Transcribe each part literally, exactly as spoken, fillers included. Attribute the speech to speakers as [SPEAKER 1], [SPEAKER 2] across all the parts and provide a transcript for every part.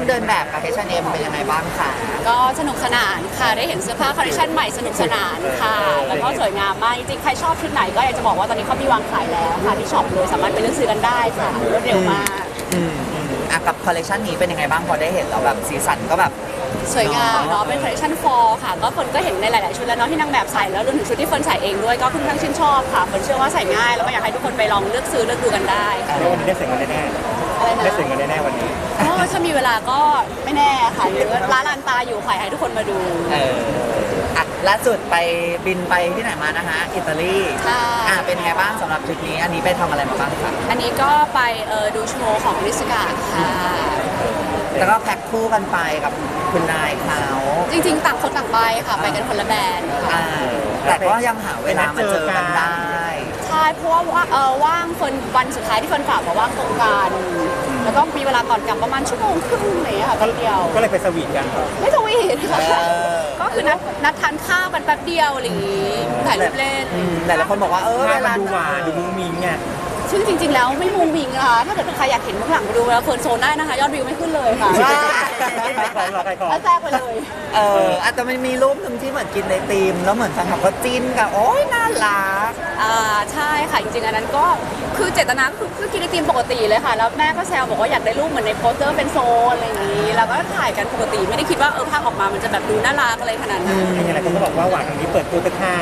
[SPEAKER 1] เดินแบบกับ เอช แอนด์ เอ็ม เป็นยังไงบ้างคะ
[SPEAKER 2] ก็สนุกสนานค่ะได้เห็นเสื้อผ้าคอลเลคชันใหม่สนุกสนานค่ะแล้วก็สวยงามมากจริงๆใครชอบชุดไหนก็อยากจะบอกว่าตอนนี้เขามีวางขายแล้วค่ะที่ช็อปเลยสามารถไปเลือกซื้อกันได้ค่ะรวดเร็วมาก
[SPEAKER 1] อืมอ่ะกับคอลเลคชันนี้เป็นยังไงบ้างพอได้เห็นแล้วแบบสีสันก็แบบ
[SPEAKER 2] สวยงามเนาะเป็นคอลเลคชันฟอร์ค่ะก็คนก็เห็นในหลายๆชุดแล้วเนาะที่นางแบบใส่แล้วรวมถึงชุดที่เฟิร์นใส่เองด้วยก็ค่อนข้างชื่นชอบค่ะเฟิร์นเชื่อว่าใส่ง่ายแล้วก็อยากให้ทุกคนไปลองเลือกซื้อเลือกดูกันได้
[SPEAKER 3] วันนี้ได้เสร็จกันแน่ๆ
[SPEAKER 2] อะไรนะ
[SPEAKER 3] ได้เสร็จกันแน่ๆวันนี้
[SPEAKER 2] ก็ถ้ามีเวลาก็ไม่แน่ค่ะหรือว่าร้านลานตาอยู่ขายให้ทุกคนมาดู
[SPEAKER 1] เอออ่ะล่าสุดไปบินไปที่ไหนมานะคะอิตาลีอ่ะเป็นไงบ้างสำหรับทริปนี้อันนี้ไปทำอะไรมาบ้างคะ
[SPEAKER 2] อันนี้ก็ไปเออดูโชว์ของริสกาค่ะ
[SPEAKER 1] แล้วก็แพ็คคู่กันไปกับคุณนายเขา
[SPEAKER 2] จริงๆต่างคนต่างไปค่ะไปกันคนละแบรนด์ค่ะ
[SPEAKER 1] แต่ก็ยังหาเวลามาเจอกันได้
[SPEAKER 2] ใช่เพราะว่าเออว่างเฟิร์นวันสุดท้ายที่เฟิร์นฝากมาว่างตรงกันแล้วก็มีเวลาก่อนกลับประมาณชั่วโมงครึ่งเลยค่ะแป๊บเดียว
[SPEAKER 3] ก็เลยไปสวีทกัน
[SPEAKER 2] ไม่สวีทก็คือนัดนัดทานข้าวกันแป๊บเดียวอะไรอย่างงี้ถ่ายรูปเล่น
[SPEAKER 1] แต่ละคนบอกว่าเออเวลา
[SPEAKER 3] ดูหวานดูมุ้งมิ้งไง
[SPEAKER 2] ซึ่งจริงๆแล้วไม่มุงมิงนะคะถ้าเกิดใครอยากเห็นเบื้องหลังมาดูแล้วเฟิร์นโซนได้นะคะยอดวิวไม่ขึ้นเลยค่ะ
[SPEAKER 3] ใครของเราใครของ
[SPEAKER 2] แทรกไปเลย
[SPEAKER 1] เอออาจจะมันมีรูปหนึ่งที่เหมือนกินในธีมแล้วเหมือนแฟนคลับก็จิ้นกันโอ๊ยน่ารัก
[SPEAKER 2] อ่าใช่ค่ะจริงๆอันนั้นก็คือเจตนาคือกินในธีมปกติเลยค่ะแล้วแม่ก็แซวบอกว่าอยากได้รูปเหมือนในโปสเตอร์เป็นโซนอะไรอย่างนี้แล้วก็ถ่ายกันปกติไม่ได้คิดว่าเออภาพออกมามันจะแบบดูน่ารักอะไรขนาดนั้น
[SPEAKER 3] อะไรคนก็บอกว่าหวานตรงนี้เปิดตัวตะค่า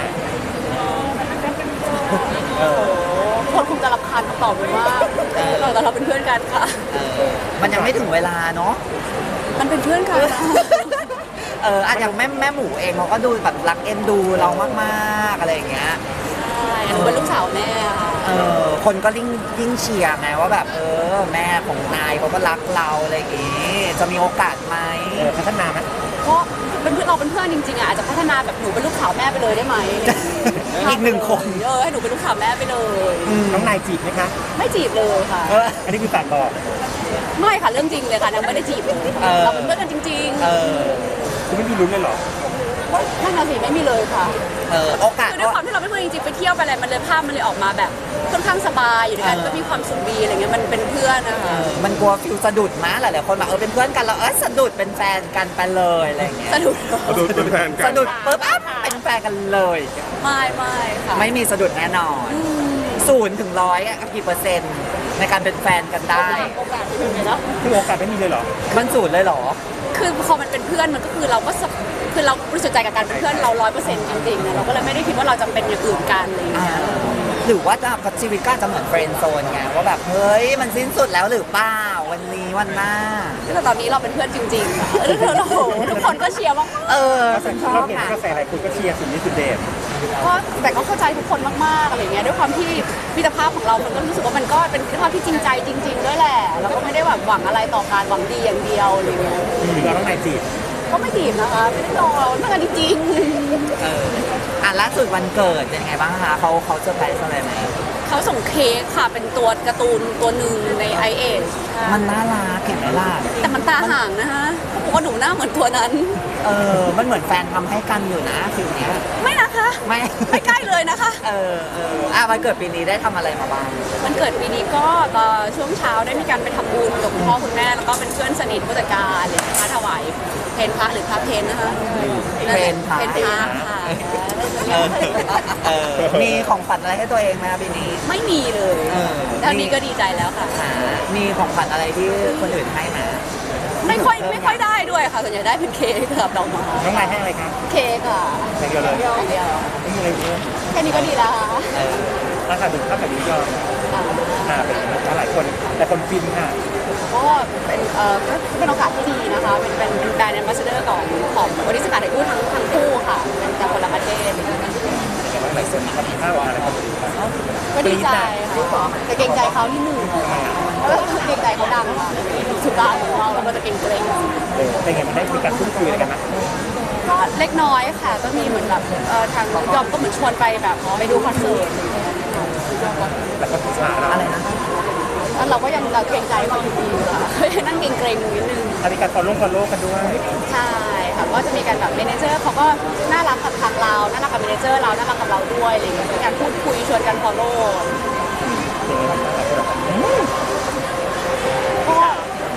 [SPEAKER 2] คนคงจะรำคาญคำตอบเลยว่าเราแต่เราเป็นเพื่อนกันค่ะ
[SPEAKER 1] มันยังไม่ถึงเวลาเนาะ
[SPEAKER 2] มันเป็นเพื่อนกัน
[SPEAKER 1] เอออาจจะแม่แม่หมูเองเขาก็ดูแบบรักเอ็นดูเรามากๆอะไรอย่างเงี้ย
[SPEAKER 2] ใช่หนูเป็นลูกสาวแม่
[SPEAKER 1] เออคนก็ยิ่งยิ่งเชียร์ไงว่าแบบเออแม่ของนายเขาก็รักเราอะไรอย่างงี้จะมีโอกาสไหม
[SPEAKER 3] พัฒนาไหม
[SPEAKER 2] ก็เป็นเพื่อนเราเป็นเพื่อนจริงๆอ่ะอาจจะพัฒนาแบบหนูเป็นลูกสาวแม่ไปเลยได้ไหม
[SPEAKER 1] อีกหนึ่งคน
[SPEAKER 2] เออให้หนูเป็นลูกสาวแม่ไปเลย
[SPEAKER 3] น้องนายจีบไหมคะ
[SPEAKER 2] ไม่จีบเลยค่ะ
[SPEAKER 3] อันนี้คือฝากบอก
[SPEAKER 2] ไม่ค่ะเรื่องจริงเลยค่ะนางไม่ได้จีบเลยเราเป็นเพื่อนกันจริง
[SPEAKER 3] ๆคุณไม่มีลุ้นเลยหรอ
[SPEAKER 2] นั่นน่ะสิไม่มีเลยค่ะ
[SPEAKER 1] เออโอกาส
[SPEAKER 2] คือด้วยความที่เราเป็นเพื่อนจริงๆไปเที่ยวไปอะไรมันเลยภาพมันเลยออกมาแบบค่อนข้างสบายอยู่ด้วยกันก็มีความสุขดีอะไรเงี้ยมันเป็นเพื่อนนะคะ
[SPEAKER 1] มันกลัวฟิลสะดุดมั้ยหลายๆคนบอกเออเป็นเพื่อนกันแล้วเออสะดุดเป็นแฟนกันไปเลยอะไรเงี้ย
[SPEAKER 2] สะดุด
[SPEAKER 3] สะดุดเป็นแฟนกัน
[SPEAKER 1] สะดุดปุ๊บอ่ะเป็นแฟนกันเลย
[SPEAKER 2] ไม่ไม่ค่ะ
[SPEAKER 1] ไม่มีสะดุดแน่นอนศูนย์ถึงร้อยอ่ะกี่เปอร์เซ็นต์ในการเป็นแฟนกันได้
[SPEAKER 2] โอกาสไม่มีเนาะ
[SPEAKER 3] คือโอกาสไม่มีเลยเหรอ
[SPEAKER 1] มันศูนย์เลยเหรอ
[SPEAKER 2] คือพอมันเป็นเพื่อนมันก็คือเราก็คือเราบริสุทธิ์ใจกับการเป็นเพื่อนเราร้อยเปอร์เซ็นต์จริงๆนะเราก็เลยไม่ได้คิดว่าเราจะเป็นอย่างอื่นกันอะไรอย่างเงี้ย
[SPEAKER 1] หรือว่าจะชีวิตก็จะเหมือนเฟรนด์โซนไงว่าแบบเฮ้ยมันสิ้นสุดแล้วหรือเปล่าวันนี้วันหน้า
[SPEAKER 2] แต่ตอนนี้เราเป็นเพื่อนจริงๆเออเราทุกคนก็เชียร์มาก
[SPEAKER 1] เออ
[SPEAKER 3] เราเห็นกระแสอะไรคุณก็เชียร์สุดนี้สุดเด็ด
[SPEAKER 2] ก็แต่ก็เข้าใจทุกคนมากๆอะไรเงี้ยด้วยความที่มิตรภาพของเรามันก็รู้สึกว่ามันก็เป็นมิตรภาพที่จริงใจจริงๆด้วยแหละเราก็ไม่ได้แบบหวังอะไรต่อการหวังดีอย่างเดียวอะไรเงี้ย
[SPEAKER 3] เราต้องนายจีบ
[SPEAKER 2] ก็ไม่จีบนะคะไม่ได้รอเรื่องกันจริง
[SPEAKER 1] เอออ่ะล่าสุดวันเกิดเป็นไงบ้างคะเขาเขาเซอร์ไพรส์อะไรไหม
[SPEAKER 2] เขาส่งเค้กค่ะเป็นตัวการ์ตูนตัวหนึ่งในไอเอช
[SPEAKER 1] มันน่ารักเห็นไหมล่ะ
[SPEAKER 2] แต่มันตาห่างนะคะเขาบอกว่าหนูหน้าเหมือนตัวนั้น
[SPEAKER 1] เออมันเหมือนแฟนทำให้กันอยู่นะฟิลเนี้ย
[SPEAKER 2] ไม่นะคะ
[SPEAKER 1] ไม่
[SPEAKER 2] ไม่ใกล้เลยนะคะ
[SPEAKER 1] เออเอออ่ะวันเกิดปีนี้ได้ทำอะไรมาบ้าง
[SPEAKER 2] วันเกิดปีนี้ก็ตอนช่วงเช้าได้มีการไปทำบุญกับคุณพ่อคุณแม่แล้วก็เป็นเพื่อนสนิทผู้จัดการเลยนะคะถวายเพนพระหรือพระเพนนะคะ
[SPEAKER 1] เพนพระ
[SPEAKER 2] เพนพระค่ะ
[SPEAKER 1] เออมีของขวัญอะไรให้ตัวเองไหมปีนี้
[SPEAKER 2] ไม่มีเลยตอนนี้ก็ดีใจแล้วค่ะ
[SPEAKER 1] มีของขวัญอะไรที่คนอื่นให้มา
[SPEAKER 2] ไม่ค่อยไม่ค่อยได้ด้วยค่ะส่วนใหญ่ได้เป็นเค้กกับดอกไม้
[SPEAKER 3] น้องนายให้อะไรครับ
[SPEAKER 2] เค้กค่ะ
[SPEAKER 3] เค้กเดียวเลย
[SPEAKER 2] เดียว
[SPEAKER 3] ไม่มีอะไรเยอะ
[SPEAKER 2] แค่นี้ก็ดีแล้วค่ะ
[SPEAKER 3] ราคาถึงเท่ากับนี้ยอมอ่าเป็นหลายคนแต่คนฟินค่ะ
[SPEAKER 2] ก็เป็นเอ่อก็เป็นโอกาสที่ดีนะคะเป็นเป็นแบรนด์แอมบาสเดอร์ของของบริษัทถ่ายรูปทั้งทั้งคู่ค่ะเป็นจากคนละประเทศ
[SPEAKER 3] หลายคนมีค่าว่าอะไร
[SPEAKER 2] ก็ดีใจค่ะแต่เกรงใจเขาที่หนึ่งเกรงใจเขาดังค่ะสุดาของเราเราก็จะเกรงเกรง
[SPEAKER 3] เป็นไงมันได้มีการพูดคุยอะไรกันไหม
[SPEAKER 2] ก็เล็กน้อยค่ะก็มีเหมือนแบบเอ่อทางยอมก็เหมือนชวนไปแบบไปดูคอนเสิร์ต
[SPEAKER 3] แล้วก็ศึกษา
[SPEAKER 1] อะไรนะ
[SPEAKER 2] แล้วเราก็ยังเราเกรงใจเขาอยู่ดีค่ะนั่งเกรงเกรงนิดนึง
[SPEAKER 3] มีการฟอลโล่ฟอลโล่กันด้วย
[SPEAKER 2] ใช่ค่ะก็จะมีการแบบเมเนเจอร์เขาก็น่ารักกับทางเราน่ารักกับเมเนเจอร์เราน่ารักกับเราด้วยอะไรอย่างเงี้ยมีการพูดคุยชวนกันฟอลโล่ก็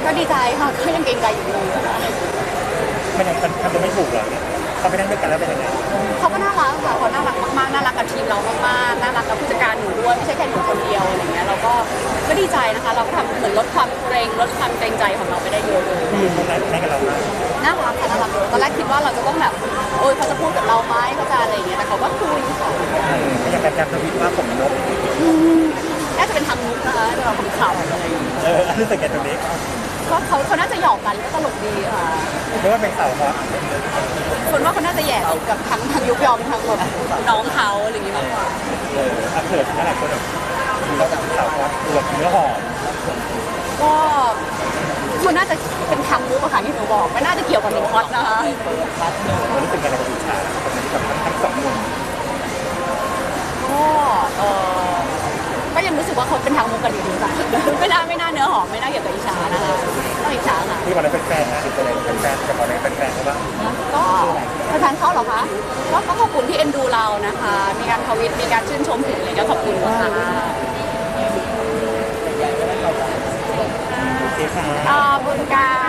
[SPEAKER 2] ก็ดีใจค่ะก็ยังเกรงใจอยู่ดีค่ะ
[SPEAKER 3] มันยังทำตัวไม่ถูกเหรอเนี่ยเขาไปนั่งด้วยกันแล้วเป็นยังไง
[SPEAKER 2] เขาก็น่ารักค่ะเขาน่ารักมากๆน่ารักกับทีมเรามากๆน่ารักกับผู้จัดการหนูด้วยไม่ใช่แค่หนูคนเดียวอะไรเงี้ยเราก็ก็ดีใจนะคะ เราก็ทำเหมือนลดความเกรงลดความเกรงใจของเราไปได้เยอะเลย
[SPEAKER 3] ที่เขานั่งนั่งกับเรามาก
[SPEAKER 2] น่ารักค่ะน่ารักเลยตอนแรกคิดว่าเราจะต้องแบบโอ๊ยเขาจะพูดกับเราไหมเขาจะอะไรอย่างเงี้ยแต่เขาก็คุยค่ะ
[SPEAKER 3] ก็ยังการทวิตว่าผมนก
[SPEAKER 2] อืมน่าจะเป็นทางมุกนะคะเราทำข่าวอะไรอย่างเงี้ย
[SPEAKER 3] เออรู้สึกไงตรงนี้
[SPEAKER 2] ก็เขาเขาน่าจะหยอกกันก็ตลกดีค่ะ
[SPEAKER 3] หรือว่าเป็นสาวฮอต
[SPEAKER 2] คนว่าเขาน่าจะแย่กับทั้งทั้งยุคยอมทั้งแบบน้องเขาอะไรอย่างเงี้ยมากกว่า
[SPEAKER 3] เอออาเขินนะหลายคนแบบเราเป็นสาวฮอตตัวเนื้อหอม
[SPEAKER 2] ก็มันน่าจะเป็นทางมุกอะค่ะที่หนูบอกไม่น่าจะเกี่ยวกับหนูฮอตนะคะ
[SPEAKER 3] รู้สึกอะไรกับอิจฉากับทั้งสองมุม
[SPEAKER 2] ก็เออก็ยังรู้สึกว่าเขาเป็นทางมุกกันดีๆค่ะไม่น่าไม่น่าเนื้อหอมไม่น่าเกี่ยวกับอิจฉานะคะต้องอิจฉาค่ะ
[SPEAKER 3] ที่วันนั้นเป็นแฟนนะหรืออะไรเป็นแฟนกับวันนั้นเป็นแฟนเขาบ้าง
[SPEAKER 2] ก็แฟนเขาเหรอคะก็ก็ขอบคุณที่เอ็นดูเรานะคะ มีการทวิตมีการชื่นชมถึงอะไรก็ขอบคุณค่ะ
[SPEAKER 3] โอเคค่ะ
[SPEAKER 2] ขอบคุณค่ะ